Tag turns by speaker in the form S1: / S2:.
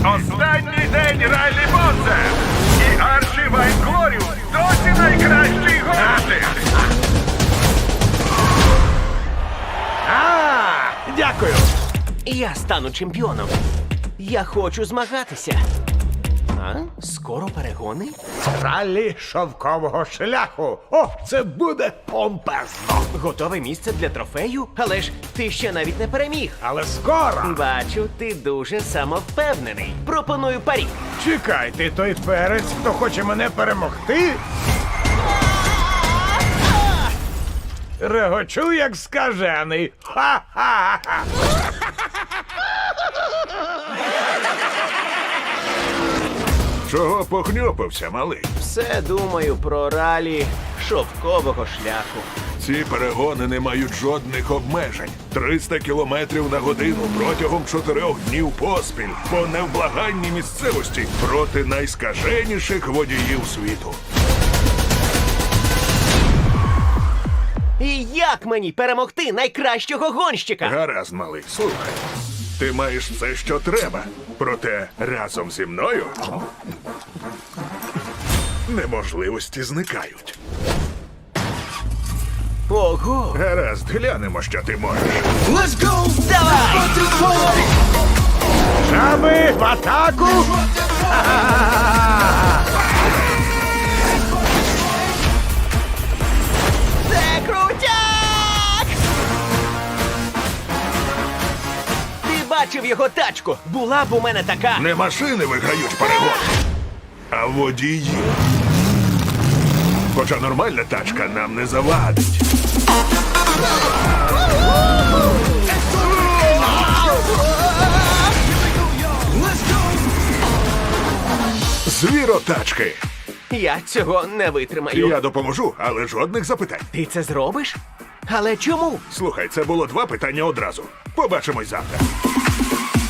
S1: останній день Райлі Бонса. І Арчі Вайнглоріус досі найкращий гонщик.
S2: Дякую.
S3: Я стану чемпіоном. Я хочу змагатися. Скоро перегони?
S2: Ралі шовкового шляху. О, це буде помпезно.
S3: Готове місце для трофею? Але ж ти ще навіть не переміг.
S2: Але скоро.
S3: Бачу, ти дуже самовпевнений. Пропоную парі.
S2: Чекай, ти той перець, хто хоче мене перемогти? Регочу, як скажений. Ха-ха-ха!
S1: Чого похньопився, малий?
S3: Все думаю про ралі шовкового шляху.
S1: Ці перегони не мають жодних обмежень. 300 кілометрів на годину протягом 4 днів поспіль по невблаганній місцевості проти найскаженіших водіїв світу.
S3: І як мені перемогти найкращого гонщика?
S1: Гаразд, малий, слухай. Ти маєш все, що треба. Проте разом зі мною неможливості зникають.
S3: Ого!
S1: Гаразд, глянемо, що ти можеш.
S3: Давай!
S2: Жаби в атаку!
S3: Це крутяк! Ти бачив його тачку? Була б у мене така.
S1: Не машини виграють перегони, а водії. Хоча нормальна тачка нам не завадить. Звіротачки.
S3: Я цього не витримаю.
S1: Я допоможу, але жодних запитань.
S3: Ти це зробиш? Але чому?
S1: Слухай, це було 2 питання одразу. Побачимось завтра.